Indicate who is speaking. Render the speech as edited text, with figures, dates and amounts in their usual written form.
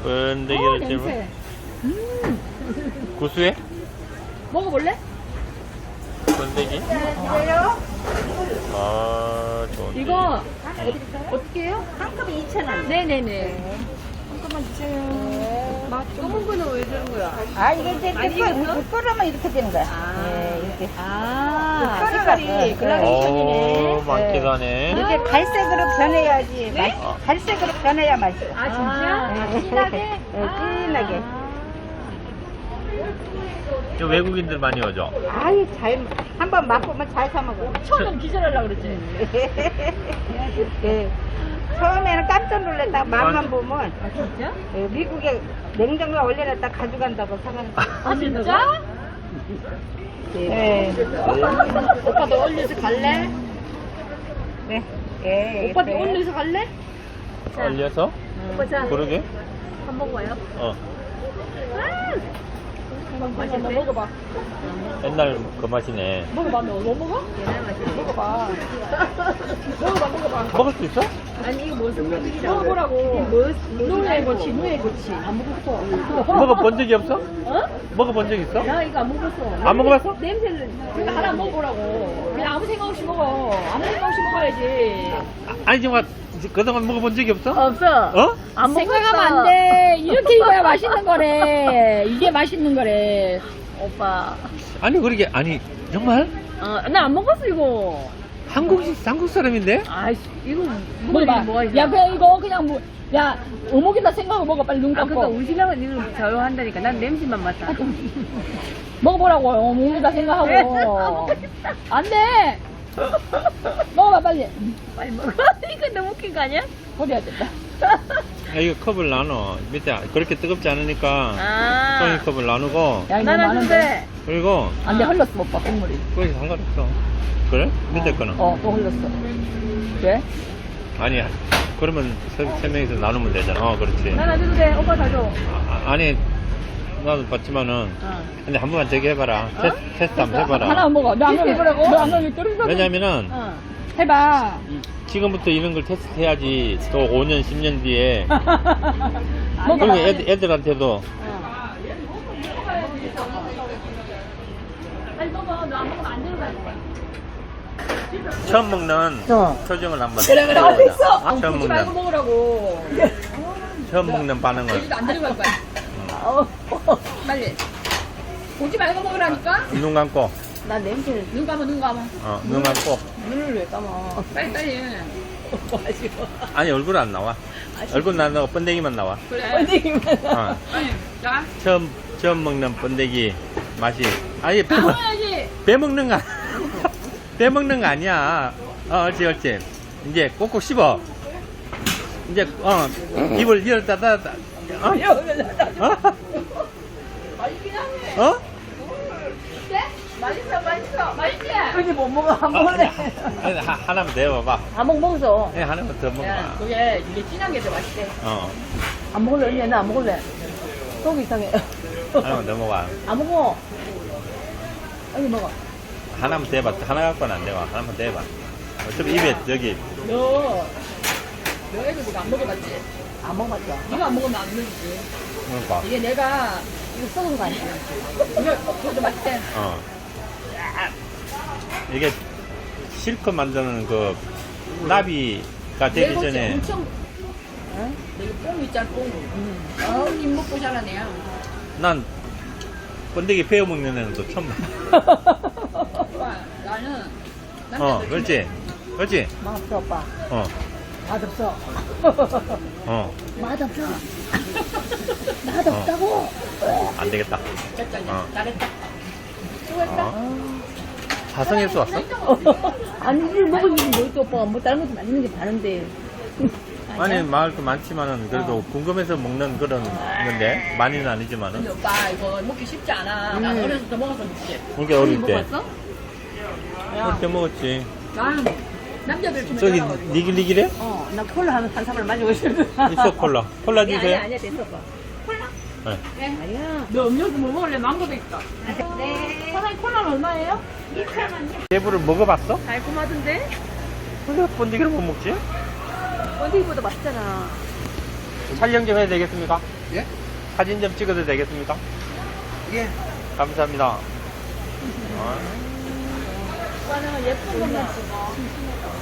Speaker 1: 번데기를 찜을.
Speaker 2: 냄새.
Speaker 1: 구수해?
Speaker 2: 먹어볼래?
Speaker 1: 번데기? 아, 좋은데.
Speaker 2: 이거 어떻게 해요?
Speaker 3: 한 컵에 2,000원.
Speaker 2: 네네네.
Speaker 3: 잠깐만 주세요.
Speaker 2: 검은 거는 왜 주는 거야?
Speaker 3: 아, 이게 이제
Speaker 2: 많이 익었어?
Speaker 3: 끓으면 이렇게 되는 거야. 네, 이렇게.
Speaker 2: 아,
Speaker 3: 색깔이
Speaker 2: 색깔이
Speaker 3: 오,
Speaker 2: 그라데이션이네.
Speaker 1: 많기도 하네.
Speaker 3: 이렇게 갈색으로 변해야지.
Speaker 2: 네?
Speaker 3: 갈색으로 변해야 맛있어.
Speaker 2: 아, 진짜? 진하게?
Speaker 3: 네, 진하게.
Speaker 1: 저 외국인들 많이 오죠?
Speaker 3: 아이, 한번 맛보면 잘 사먹어.
Speaker 2: 처음엔 기절하려고 그랬지.
Speaker 3: 네. 처음에는 깜짝 놀랐다가 맛만 보면
Speaker 2: 아, 진짜?
Speaker 3: 미국에 냉장고에 올려놨다 가져간다고 사가는 거.
Speaker 2: 아, 진짜?
Speaker 3: 네.
Speaker 2: 오빠도 올려서 갈래?
Speaker 3: 네. 네.
Speaker 2: 오빠도
Speaker 3: 네.
Speaker 2: 올려서 갈래?
Speaker 1: 얼려서?
Speaker 2: 오빠 자,
Speaker 1: 그러게?
Speaker 2: 한 번 먹어요.
Speaker 1: 어.
Speaker 2: 맛있네. 먹어봐.
Speaker 1: 옛날 그 맛이네.
Speaker 2: 먹어봐. 너 먹어? 옛날 맛이야. 먹어봐. 먹어봐.
Speaker 1: 먹을 수 있어?
Speaker 2: 아니 이거 무슨 음식이야? 먹어보라고. 누에 고치, 누에 고치. 안 먹었어.
Speaker 1: 먹어본 적이 없어?
Speaker 2: 어?
Speaker 1: 먹어본 적 있어?
Speaker 2: 나 이거 안 먹었어.
Speaker 1: 안 먹어봤어?
Speaker 2: 냄새를 그냥 하나 먹어보라고. 그냥 아무 생각 없이 먹어. 아무 생각 없이 먹어야지.
Speaker 1: 아니 정말 그동안 먹어본 적이 없어?
Speaker 2: 없어.
Speaker 1: 어?
Speaker 2: 안 생각하면 안 돼. 이렇게 입어야 맛있는 거래. 이게 맛있는 거래. 오빠.
Speaker 1: 아니 그러게 아니 정말
Speaker 2: 나 안 먹었어 이거.
Speaker 1: 한국 사람인데?
Speaker 2: 아이씨 이거 먹어봐. 야 그냥 이거 그냥 뭐. 야 어묵이다 생각하고 먹어 빨리 눈 감고. 그러니까 우신랑은 이거 저요 한다니까 난 냄새만 맡아. 먹어보라고 어묵이다 생각하고. 안 돼. 먹어봐 빨리. 빨리 먹어. 이거 너무 웃긴 거 아니야? 버려야 된다.
Speaker 1: 아, 이거 컵을 나눠 밑에 그렇게 뜨겁지 않으니까
Speaker 2: 아.
Speaker 1: 종이컵을 나누고
Speaker 2: 야 이거 많은데.
Speaker 1: 그리고
Speaker 2: 안돼 흘렀어 오빠 국물이.
Speaker 1: 거기 상관없어. 그래? 밑에 거는?
Speaker 2: 또 흘렀어. 왜?
Speaker 1: 아니 그러면 세 명이서 나누면 되잖아. 그렇지.
Speaker 2: 난 안 줘도 돼. 오빠 다 줘.
Speaker 1: 아니 나도 봤지만은 근데 한 번만 저기 해봐라. 테스트 한번 해봐라.
Speaker 2: 하나 먹어. 너안 먹으라고? 너안 먹으면 떨어져.
Speaker 1: 왜냐면은
Speaker 2: 해봐.
Speaker 1: 지금부터 이런 걸 테스트 해야지 또 5년 10년 뒤에
Speaker 2: 먹어봐.
Speaker 1: 그리고 애들한테도
Speaker 2: 빨리 먹어. 너 안 먹으면 안 되는 거야.
Speaker 1: 처음 먹는 표정을 한번
Speaker 2: 그래.
Speaker 1: 해보자. 처음
Speaker 2: 먹지 말고
Speaker 1: 먹는
Speaker 2: 먹으라고.
Speaker 1: 처음 먹는 반응을
Speaker 2: 여기도 안 데려갈 거야. 빨리. 보지 말고 먹으라니까?
Speaker 1: 눈 감고
Speaker 2: 나 냄새. 눈 감아, 눈 감아.
Speaker 1: 눈 감고
Speaker 2: 눈을 왜 감아? 빨리.
Speaker 1: 아니 얼굴 안 나와. 얼굴 안 나와. 번데기만 나와.
Speaker 2: 그래. 번데기만. 자.
Speaker 1: 처음 먹는 번데기 맛이 아니
Speaker 2: 먹어야지.
Speaker 1: 배 먹는 거 배 먹는 거 아니야. 옳지. 이제 꼭꼭 씹어. 이제 입을 열었다 닫았다.
Speaker 2: 맛있긴 하네.
Speaker 1: 어?
Speaker 2: 네? 맛있어. 맛있지?
Speaker 3: 그지 못 먹어. 안 먹을래.
Speaker 1: 아니, 하나만 더 해봐봐.
Speaker 2: 안 먹어.
Speaker 1: 네, 하나만 더 먹어봐.
Speaker 2: 그게 이게 진한 게 더 맛있대.
Speaker 3: 안 먹을래, 언니. 나 안 먹을래. 속이 이상해.
Speaker 1: 하나만 더 먹어봐.
Speaker 2: 안 먹어. 여기 먹어.
Speaker 1: 하나만 더 해봐. 하나 갖고는 안 돼. 하나만 더 해봐. 어차피 입에 저기
Speaker 2: 너 애들 이거 안 먹어봤지?
Speaker 3: 안 먹었어.
Speaker 2: 네가 안 먹으면 안 되지.
Speaker 1: 그러니까.
Speaker 2: 이게 내가 이거 썩은 거 아니야? 이거 맛있대.
Speaker 1: 이게 실컷 만드는 그 나비가 되기 전에
Speaker 2: 엄청. 내가 뽕 있잖아, 뽕. 김 먹고 자란 애야.
Speaker 1: 난 번데기 베어 먹는 애는 또 처음 봐.
Speaker 2: 오빠, 나는.
Speaker 1: 그렇지.
Speaker 3: 맛없어, 오빠. 맛없어. 맛없어. 맛없다고.
Speaker 1: 안 되겠다.
Speaker 2: 됐다, 잘했다.
Speaker 1: 사성에서 왔어?
Speaker 3: 아니, 이걸 먹으면 뭐있어, 오빠. 뭐 다른 것도 맛있는 게 많은데.
Speaker 1: 아니 마을도 많지만은 그래도 궁금해서 먹는 그런 건데 많이는
Speaker 2: 근데
Speaker 1: 아니지만은
Speaker 2: 오빠, 이거 먹기 쉽지 않아. 나 어렸을 때 먹어서 먹지.
Speaker 1: 그렇게 어릴 때
Speaker 2: 먹었어?
Speaker 1: 어릴 때 먹었지.
Speaker 2: 난 남자들 좀
Speaker 1: 저기
Speaker 2: 좋아하거든.
Speaker 1: 니글니글해?
Speaker 3: 나 콜라 한 사발 마시고 있어.
Speaker 1: 있어 콜라 주세요.
Speaker 3: 아니야, 됐어, 오빠.
Speaker 1: 네.
Speaker 3: 아니야.
Speaker 2: 너 음료수 뭐 먹을래? 망고도 있다.
Speaker 3: 네.
Speaker 2: 사장님 콜라는 얼마예요?
Speaker 3: 2,000원이요.
Speaker 1: 대부를 먹어봤어?
Speaker 2: 달콤하던데?
Speaker 1: 근데 번데기를 못 먹지?
Speaker 3: 어디보다 맛있잖아.
Speaker 1: 촬영 좀 해야 되겠습니까?
Speaker 4: 예?
Speaker 1: 사진 좀 찍어도 되겠습니까?
Speaker 4: 예.
Speaker 1: 감사합니다.
Speaker 2: 오빠는 예쁜 것만 찍어.